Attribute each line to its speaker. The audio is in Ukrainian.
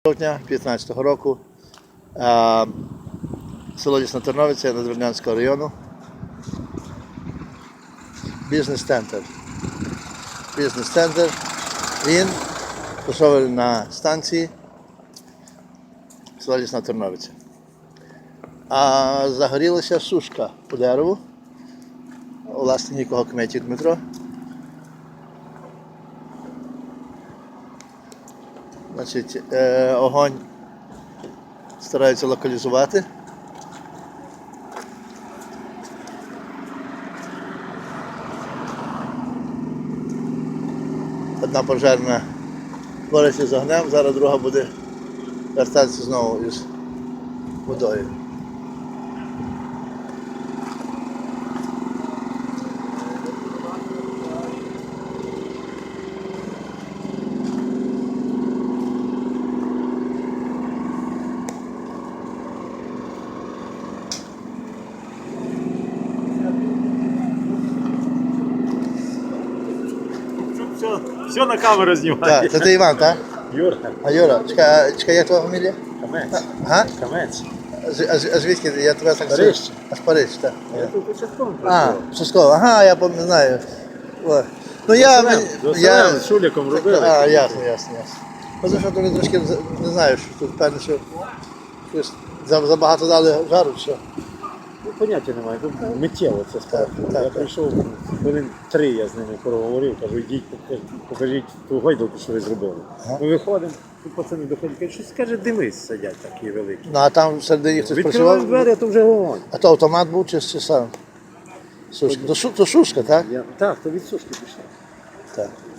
Speaker 1: жовтня 2015 року. Село Лісна Терновиця, Надвірнянського району. Бізнес-центр. Бізнес-центр. Він розташований на станції село Лісна Терновиця. А загорілася сушка по дереву. Власне, нікого Кметів Дмитро. Значить, огонь стараються локалізувати. Одна пожежна бореться з огнем, зараз друга буде вертатися знову із водою.
Speaker 2: Все на камеру знімає.
Speaker 1: Так, це Іван, так?
Speaker 2: Юра.
Speaker 1: А Юра, чекай, як твоя фамілія?
Speaker 2: Камець.
Speaker 1: Ага?
Speaker 2: Камець.
Speaker 1: А звідки? Я тебе так...
Speaker 2: Париж.
Speaker 1: Аж Париж, так.
Speaker 2: Я тут участком
Speaker 1: А,
Speaker 2: працював.
Speaker 1: Частково, ага, я не знаю. О. Ну я...
Speaker 2: З Шуліком робили.
Speaker 1: А, ясно. Тому що вони трошки, не знаю, що тут певно, що щось забагато дали жару, що.
Speaker 2: Ну, поняття немає, тут миттєво це справді.
Speaker 1: Так.
Speaker 2: Я прийшов, хвилин 3 я з ними проговорив, кажу, йдіть, покажіть ту гойдалку, що ви зробили.
Speaker 1: Ага.
Speaker 2: Ми виходимо, тут пацани доходять, кажуть, щось каже, димись, сидять такі великі.
Speaker 1: Ну а там всередині хтось
Speaker 2: Відкриваємо
Speaker 1: працював.
Speaker 2: двері, а то вже вогонь.
Speaker 1: А то автомат був чи сам? Сушка. То шушка, так?
Speaker 2: Так, то від сушки пішло.
Speaker 1: Так.